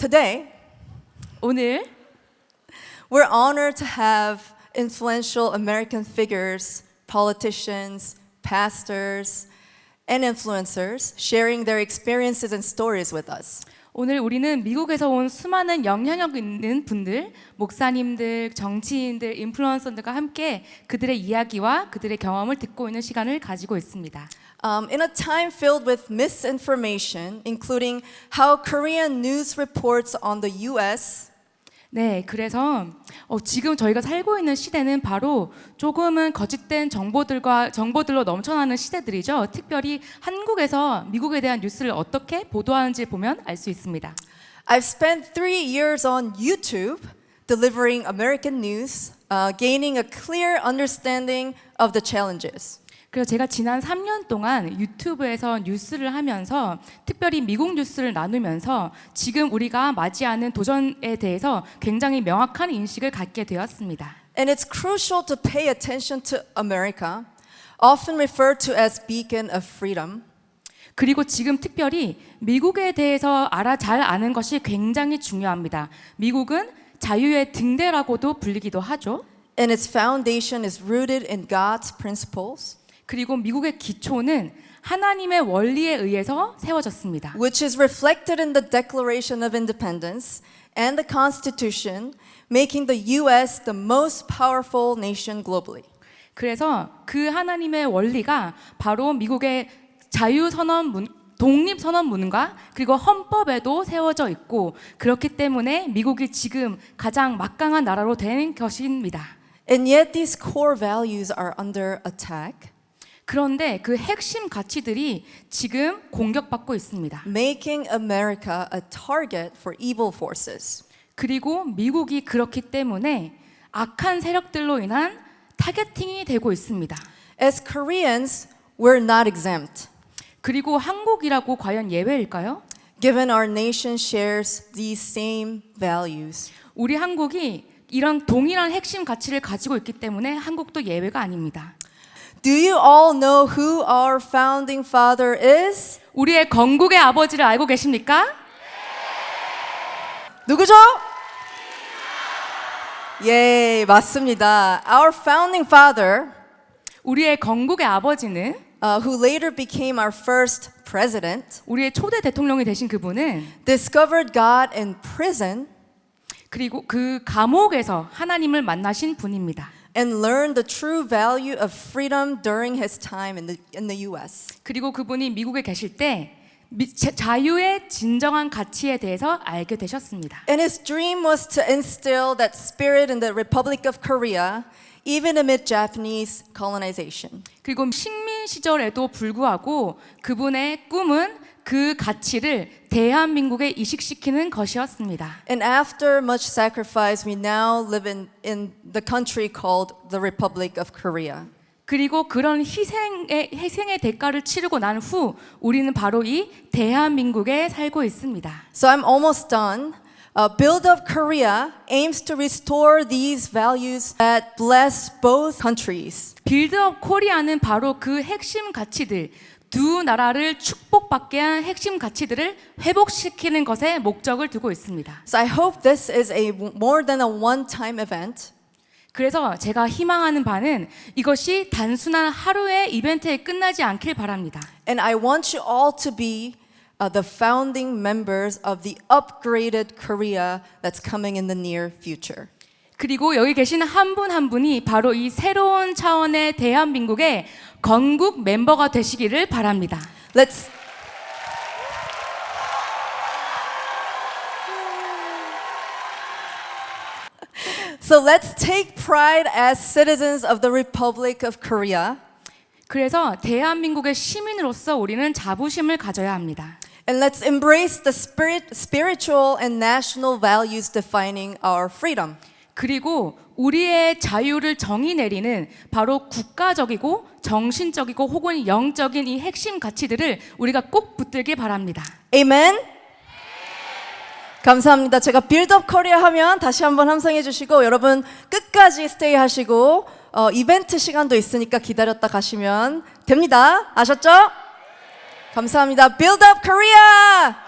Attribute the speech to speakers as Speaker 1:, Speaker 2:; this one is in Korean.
Speaker 1: Today,
Speaker 2: 오늘
Speaker 1: we're honored to have influential American figures, politicians, pastors, and influencers sharing their experiences and stories with us.
Speaker 2: 오늘 우리는 미국에서 온 수많은 영향력 있는 분들, 목사님들, 정치인들, 인플루언서들과 함께 그들의 이야기와 그들의 경험을 듣고 있는 시간을 가지고 있습니다.
Speaker 1: In a time filled with misinformation, including how Korean news reports on the U.S.
Speaker 2: 네, 그래서 지금 저희가 살고 있는 시대는 바로 조금은 거짓된 정보들로 넘쳐나는 시대들이죠. 특별히 한국에서 미국에 대한 뉴스를 어떻게 보도하는지 보면 알 수 있습니다.
Speaker 1: I've spent 3 years on YouTube delivering American news, gaining a clear understanding of the challenges.
Speaker 2: 그래서 제가 지난 3년 동안 유튜브에서 뉴스를 하면서 특별히 미국 뉴스를 나누면서 지금 우리가 맞이하는 도전에 대해서 굉장히 명확한 인식을 갖게 되었습니다.
Speaker 1: And it's crucial to pay attention to America, often referred to as beacon of freedom.
Speaker 2: 그리고 지금 특별히 미국에 대해서 잘 아는 것이 굉장히 중요합니다. 미국은 자유의 등대라고도 불리기도 하죠.
Speaker 1: And its foundation is rooted in God's principles,
Speaker 2: 그리고 미국의 기초는 하나님의 원리에 의해서 세워졌습니다.
Speaker 1: which is reflected in the Declaration of Independence and the Constitution, making the U.S. the most powerful nation globally.
Speaker 2: 그래서 그 하나님의 원리가 바로 미국의 독립선언문과 그리고 헌법에도 세워져 있고 그렇기 때문에 미국이 지금 가장 막강한 나라로 된 것입니다.
Speaker 1: And yet these core values are under attack,
Speaker 2: 그런데 그 핵심 가치들이 지금 공격받고 있습니다.
Speaker 1: making America a target for evil forces.
Speaker 2: 그리고 미국이 그렇기 때문에 악한 세력들로 인한 타겟팅이 되고 있습니다.
Speaker 1: As Koreans, we're not exempt,
Speaker 2: 그리고 한국이라고 과연 예외일까요?
Speaker 1: given our nation shares these same values.
Speaker 2: 우리 한국이 이런 동일한 핵심 가치를 가지고 있기 때문에 한국도 예외가 아닙니다.
Speaker 1: Do you all know who our founding father is?
Speaker 2: 우리의 건국의 아버지를 알고 계십니까?
Speaker 1: 누구죠? 예, 맞습니다. Our founding father,
Speaker 2: 우리의 건국의 아버지는
Speaker 1: who later became our first president,
Speaker 2: 우리의 초대 대통령이 되신 그분은
Speaker 1: discovered God in prison
Speaker 2: 그리고 그 감옥에서 하나님을 만나신 분입니다.
Speaker 1: and learned the true value of freedom during his time in the U.S.
Speaker 2: 그리고 그분이 미국에 계실 때 자유의 진정한 가치에 대해서 알게 되셨습니다.
Speaker 1: And his dream was to instill that spirit in the Republic of Korea, even amid Japanese colonization.
Speaker 2: 그리고 식민 시절에도 불구하고 그분의 꿈은 그 가치를 대한민국에 이식시키는 것이었습니다.
Speaker 1: And after much sacrifice, we now live in the country called the Republic of Korea.
Speaker 2: 그리고 그런 희생의 대가를 치르고 난 후 우리는 바로 이 대한민국에 살고 있습니다.
Speaker 1: So I'm almost done. Build Up Korea aims to restore these values that bless both countries.
Speaker 2: 빌드업 코리아는 바로 그 핵심 가치들, 두 나라를 축복받게 한 핵심 가치들을 회복시키는 것에 목적을 두고 있습니다.
Speaker 1: So I hope this is more than a one-time event.
Speaker 2: 그래서 제가 희망하는 바는 이것이 단순한 하루의 이벤트에 끝나지 않길 바랍니다.
Speaker 1: And I want you all to be the founding members of the upgraded Korea that's coming in the near future.
Speaker 2: 그리고 여기 계신 한 분 한 분이 바로 이 새로운 차원의 대한민국의 건국 멤버가 되시기를 바랍니다.
Speaker 1: So let's take pride as citizens of the Republic of Korea.
Speaker 2: 그래서 대한민국의 시민으로서 우리는 자부심을 가져야 합니다.
Speaker 1: And let's embrace the spiritual and national values defining our freedom.
Speaker 2: 그리고 우리의 자유를 정의 내리는 바로 국가적이고 정신적이고 혹은 영적인 이 핵심 가치들을 우리가 꼭 붙들길 바랍니다.
Speaker 1: Amen. 감사합니다. 제가 빌드업 코리아 하면 다시 한번 함성해 주시고 여러분 끝까지 스테이 하시고 이벤트 시간도 있으니까 기다렸다 가시면 됩니다. 아셨죠? 감사합니다. 빌드업 코리아!